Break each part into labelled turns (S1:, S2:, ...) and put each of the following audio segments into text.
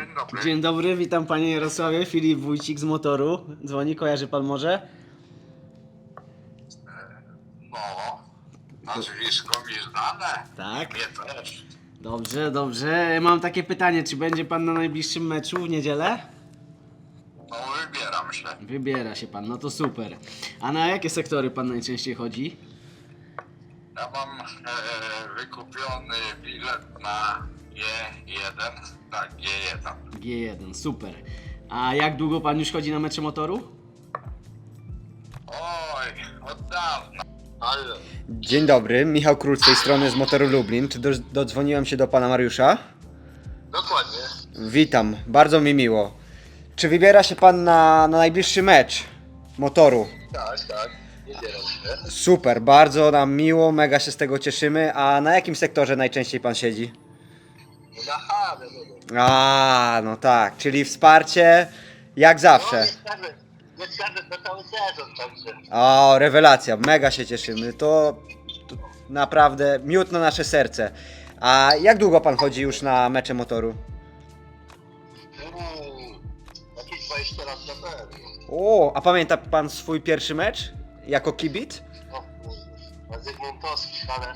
S1: Dzień dobry.
S2: Dzień dobry, witam panie Jarosławie, Filip Wójcik z Motoru. Dzwoni, kojarzy pan może?
S1: No, nazwisko mi znane.
S2: Tak.
S1: Mnie też.
S2: Dobrze, dobrze. Mam takie pytanie, czy będzie pan na najbliższym meczu w niedzielę?
S1: No, wybieram się.
S2: Wybiera się pan, no to super. A na jakie sektory pan najczęściej chodzi?
S1: Ja mam wykupiony bilet na G1. Tak, G1.
S2: G1, super. A jak długo pan już chodzi na mecze Motoru?
S1: Oj, od dawna. Ale
S3: Dzień dobry, Michał Król z tej strony z Motoru Lublin. Czy dodzwoniłem się do pana Mariusza?
S1: dokładnie.
S3: Witam, bardzo mi miło. Czy wybiera się pan na najbliższy mecz Motoru?
S1: Tak, wybieram się.
S3: Super, bardzo nam miło, mega się z tego cieszymy. A na jakim sektorze najczęściej pan siedzi?
S1: Na Hanę,
S3: No tak, czyli wsparcie jak zawsze.
S1: nie skażę na cały sezon, także.
S3: O, rewelacja, mega się cieszymy. To naprawdę miód na nasze serce. A jak długo pan chodzi już na mecze Motoru?
S1: Jakieś 20 lat na pewno.
S3: O, a pamięta pan swój pierwszy mecz jako kibic?
S1: O kurde, Zygmuntowski, ale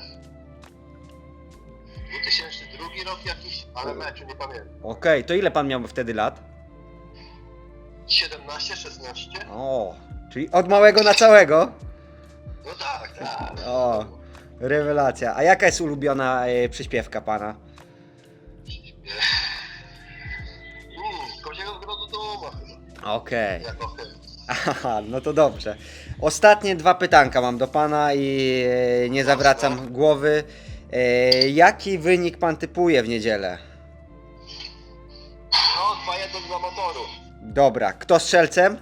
S1: 2002 rok jakiś, ale meczu nie pamiętam.
S3: Okej, to ile pan miał wtedy lat?
S1: 17, 16?
S3: O, czyli od małego na całego?
S1: No tak, tak.
S3: O, rewelacja. A jaka jest ulubiona przyśpiewka pana?
S1: Koziego Grodu Duma chyba,
S3: Okej.
S1: jako hymn.
S3: Aha, no to dobrze. Ostatnie dwa pytanka mam do pana i nie zawracam głowy. Jaki wynik pan typuje w niedzielę?
S1: No, 2-1 dla Motoru.
S3: Dobra, kto strzelcem?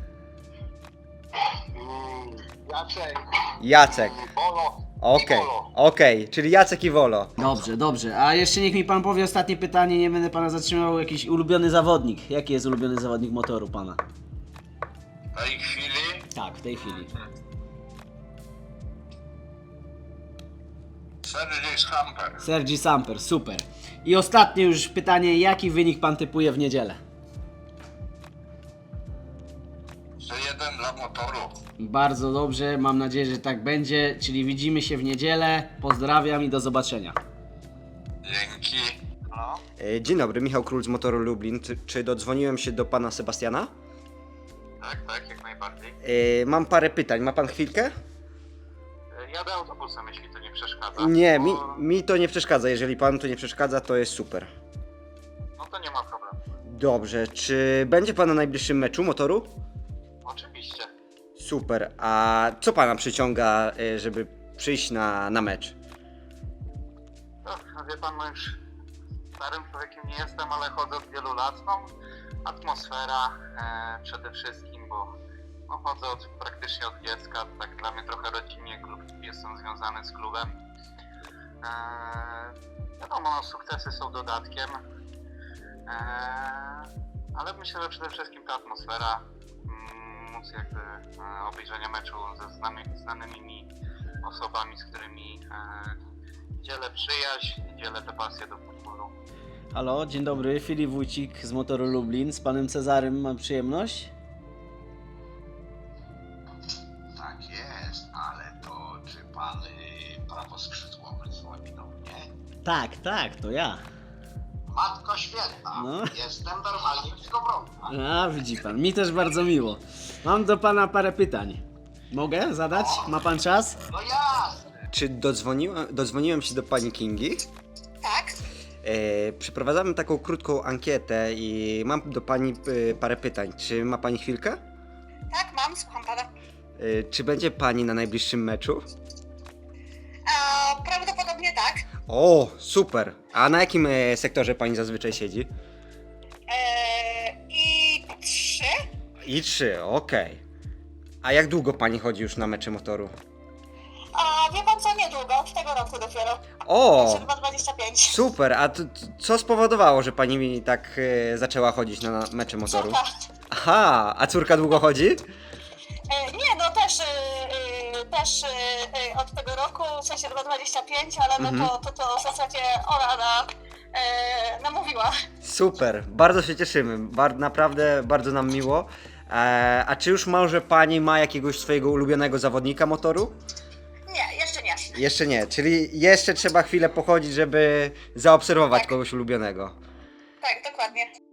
S1: Jacek.
S3: Jacek.
S1: Bolo.
S3: Okej,
S1: I Bolo.
S3: okej, czyli Jacek i Wolo.
S2: Dobrze, dobrze. A jeszcze niech mi pan powie ostatnie pytanie, nie będę pana zatrzymał. Jakiś ulubiony zawodnik. Jaki jest ulubiony zawodnik Motoru pana?
S1: W tej chwili
S2: Tak, w tej chwili.
S1: Sergiej Schamper.
S2: Sergi Samper, super. I ostatnie już pytanie, jaki wynik pan typuje w niedzielę?
S1: 1 dla Motoru.
S2: Bardzo dobrze, mam nadzieję, że tak będzie, czyli widzimy się w niedzielę. Pozdrawiam i do zobaczenia.
S1: Dzięki. No.
S3: Dzień dobry, Michał Król z Motoru Lublin. Czy dodzwoniłem się do pana Sebastiana?
S1: Tak, jak najbardziej.
S3: Mam parę pytań, ma pan chwilkę?
S1: Jadę autobusem, jeśli to nie przeszkadza.
S3: Nie,
S1: Bo-
S3: mi to nie przeszkadza. Jeżeli panu to nie przeszkadza, to jest super.
S1: No to nie ma problemu.
S3: Dobrze, czy będzie pan na najbliższym meczu Motoru?
S1: Oczywiście.
S3: Super, a co pana przyciąga, żeby przyjść na mecz?
S1: No, wie pan, no już starym człowiekiem nie jestem, ale chodzę od wielu lat. No, atmosfera przede wszystkim, bo no, chodzę praktycznie od dziecka. Tak dla mnie trochę rodzinnie, jestem związany z klubem. Wiadomo, no, sukcesy są dodatkiem, ale myślę, że przede wszystkim ta atmosfera, móc jakby obejrzenia meczu ze znanymi mi osobami, z którymi dzielę przyjaźń, dzielę tę pasję do futbolu.
S2: Halo, dzień dobry, Filip Wójcik z Motoru Lublin. Z panem Cezarym mam przyjemność.
S1: Tak jest, ale to czy pan prawoskrzydłowy dzwoni do mnie?
S2: Tak, tak, to ja.
S1: Matko Święta,
S2: No.
S1: jestem normalnie w Skowronku.
S2: A, widzi pan, mi też bardzo miło. Mam do pana parę pytań. Mogę zadać? Ma pan czas?
S1: No jasne.
S3: Czy dodzwoniłem się do pani Kingi?
S4: Tak,
S3: Przeprowadzamy taką krótką ankietę i mam do pani parę pytań. Czy ma pani chwilkę?
S4: tak, mam, słucham pana.
S3: Czy będzie pani na najbliższym meczu?
S4: Prawdopodobnie tak.
S3: O, super. A na jakim sektorze pani zazwyczaj siedzi?
S4: I 3.
S3: I 3, okej. A jak długo pani chodzi już na mecze Motoru?
S4: A wie pan co, niedługo, od tego roku dopiero.
S3: O,
S4: Chyba 25.
S3: super. A co spowodowało, że pani mi tak zaczęła chodzić na mecze Motoru?
S4: Córka.
S3: Aha, a córka długo chodzi?
S4: Nie, no też od tego roku, w sensie chyba 25, ale no to w zasadzie ona namówiła.
S3: Super, bardzo się cieszymy, naprawdę bardzo nam miło. A czy już może pani ma jakiegoś swojego ulubionego zawodnika motoru?
S4: Nie, jeszcze nie.
S3: Jeszcze nie, czyli jeszcze trzeba chwilę pochodzić, żeby zaobserwować
S4: Tak.
S3: kogoś ulubionego.
S4: Tak, dokładnie.